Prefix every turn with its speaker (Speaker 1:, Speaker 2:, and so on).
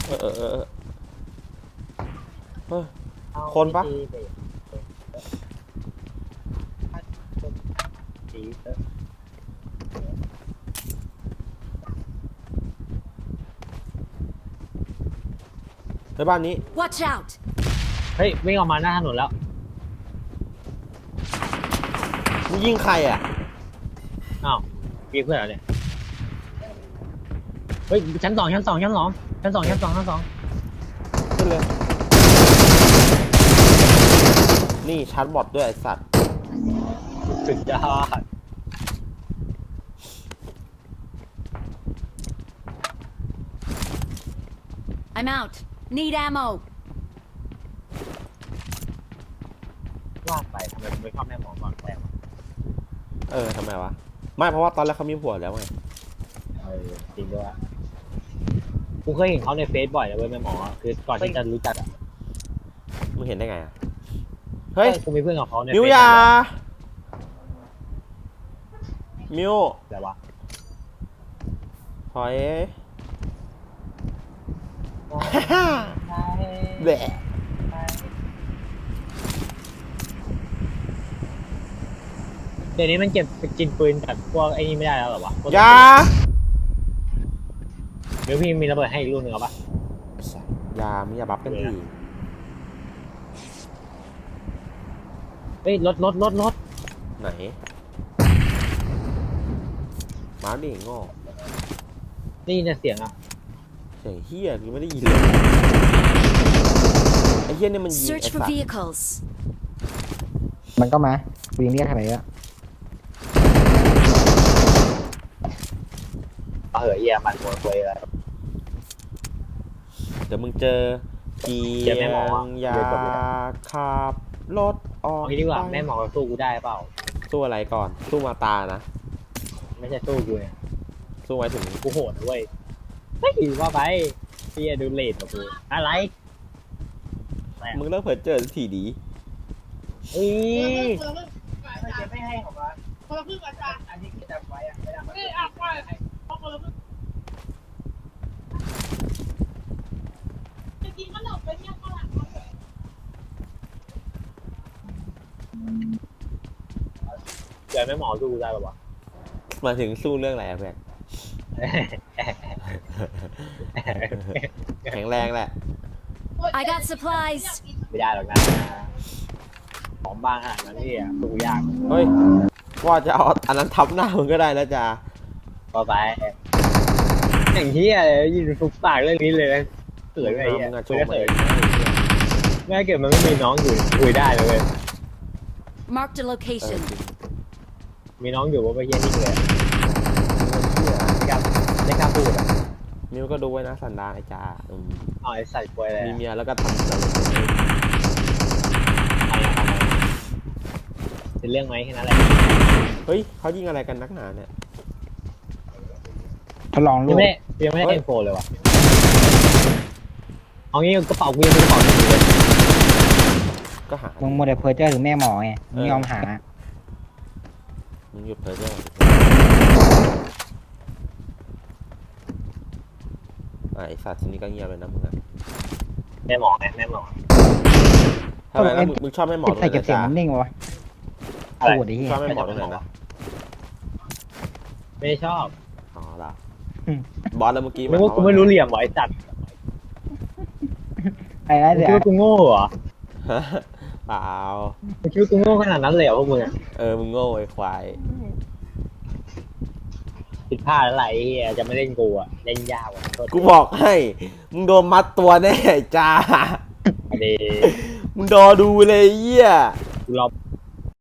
Speaker 1: เออคนปะในบ้านนี้
Speaker 2: Watch out
Speaker 3: เฮ้ยวิ่งออกมาหน้าถนนแล้ว
Speaker 1: มึงยิงใครอ่ะ
Speaker 3: อ้าวยิงเพื่อนเหรอเนี่ยเฮ้ยชั้นสองขึ้น
Speaker 1: เลยนี่ชาร์จบอทด้วยไอสัตว์
Speaker 3: สุดยอด
Speaker 2: I'm out need ammo
Speaker 3: ว่าไปทำไมผมไม่ชอบแม่หมอก่อนแรก
Speaker 1: ทำไมวะไม่เพราะว่าตอนแรกเขามีผัวแล้วไง
Speaker 3: จริงด้วยกูเคยเห็นเขาในเฟซบ่อยเลยเว้ยแม่หมอคือก่อนที่จะรู้จักอ่ะ
Speaker 1: มึงเห็นได้ไงอ่ะเฮ้ย
Speaker 3: กูมีเพื่อนกับเขาใน
Speaker 1: มิวยามิว
Speaker 3: อะไรวะ
Speaker 1: ถอยแบะ
Speaker 3: เดี๋ยวนี้มันเก็บกินปืนกับพวกไอ้นี่ไม่ได้แล้วหรอวะ
Speaker 1: ยา
Speaker 3: เดี๋ยวพี่มีระเบิดให้อีกลูกหนึ่งเอาปะ
Speaker 1: ยามึงอย่าบัฟกันที
Speaker 3: เฮ้ยรถ
Speaker 1: ไหนมาดิโง่
Speaker 3: ได้ยินแต่เสียงอ่ะ
Speaker 1: เสียงเฮียกูไม่ได้ยินเลยไอ้เฮียนี่มันยิงไอ้
Speaker 2: Search
Speaker 1: สั
Speaker 2: for
Speaker 1: ตว์
Speaker 2: vehicles
Speaker 4: มันก็มาวิ่งเรียกอะไรอ่ะ
Speaker 3: เอาเหอะเยี่ยมันหัวควยเลย
Speaker 1: เดี๋ยวมึงเจอเกียงยาขับรถออก
Speaker 3: เอางี้ดีกว่าแม่หมอสู้กูได้เปล่า
Speaker 1: สู้อะไรก่อนสู้มาตานะ
Speaker 3: ไม่ใช่สู้กูเนี่ย
Speaker 1: สู้ไว้ถึง
Speaker 3: กูโหดเว้ยเฮ้ยว่าไปพี่ดูเลดกับกูอะไร
Speaker 1: มึงเลิกเผลอเจอทีดี
Speaker 3: ไม่ให้ของมันคนละครึ่งอาจารย์อันนี้คือจำไว้อะไม่ได้ไม่อ่ะไปคนละครึ่งจะกินขนมไปเนี่ยฝรั่งเดี๋ยวแม่หมอสู้ได้ป่าวะ
Speaker 1: มาถึงสู้เรื่องอะไรอะเพื่อนแข็งแรงแหละ
Speaker 2: I got supplies
Speaker 3: ไม่ได้หรอกนะของบางขนาดนั้นนี่อ่ะสู้ยาก
Speaker 1: เฮ้ยว่าจะเอาอันนั้นทับหน้ามึงก็ได้นะจ๊ะ
Speaker 3: ก็ไปอย่างที่อะไรยินฟุกปากเรื่องนี้เลยเกิดอะไรอย่างเงี้ยเกิดแม่เกิดมันไม่มีน้องอยู่คุยได้เลย
Speaker 2: Mark the location
Speaker 3: มีน้องอยู่ว่าไปเยี่ยนี่เลยไม่กล้าพูดอ่ะ
Speaker 1: มิวก็ดูไว้นะสันดานไอ้จ่า
Speaker 3: ไอ้ใส่ป่วยเลย
Speaker 1: มีเมียแล้วก็ทำ
Speaker 3: เป็นเรื่องไหมแค่นั้นแหละ
Speaker 1: เฮ้ยเขายิงอะไรกันนักหนาเนี่ย
Speaker 4: ทดลองลูก
Speaker 3: ยังไม่ได้เอ็นโฟเลยวะเอางี้กระเป๋ากูยังเป็นกระเป๋าอยู่เลย
Speaker 1: ก็หา
Speaker 4: มึงโมเดลเพอร์เจอร์ถึงแม่หมอไงมึงยอมหา
Speaker 1: มึงหยุดเพอเจอร์ไอ้สัตว์ทีนี้ก็เงียบเลยนะมึงอะ
Speaker 3: แม่หมอไงแม่หมอ
Speaker 1: ทำไมแล้วมึงชอบแม่หมอตรงไหน
Speaker 4: ใส่เก็บเสียงนิ่งวะ
Speaker 1: ปวดดิชอบแม่หมอตรงไหนนะ
Speaker 3: ไม่ชอบ
Speaker 1: อ๋อละบอสแล้วเมื่อกี้
Speaker 3: กูไม่รู้เหลี่ยมหรอไอ้จัด
Speaker 4: ไอ้นั่นเดี๋ยว
Speaker 3: คิดว่ากูโง่เหรอ
Speaker 1: เปล่า
Speaker 3: มึงคิดว่ากูโง่ขนาดนั้นเลยเหรอพวกมึง
Speaker 1: มึงโง่ไอ้ควาย
Speaker 3: ผิดพลาดอะไรจะไม่เล่นกูอ่ะเล่นยาก
Speaker 1: กูบอกให้มึงโดนมัดตัวแน่จ้ามึงรอดูเลยเหี้ย
Speaker 3: กูรอ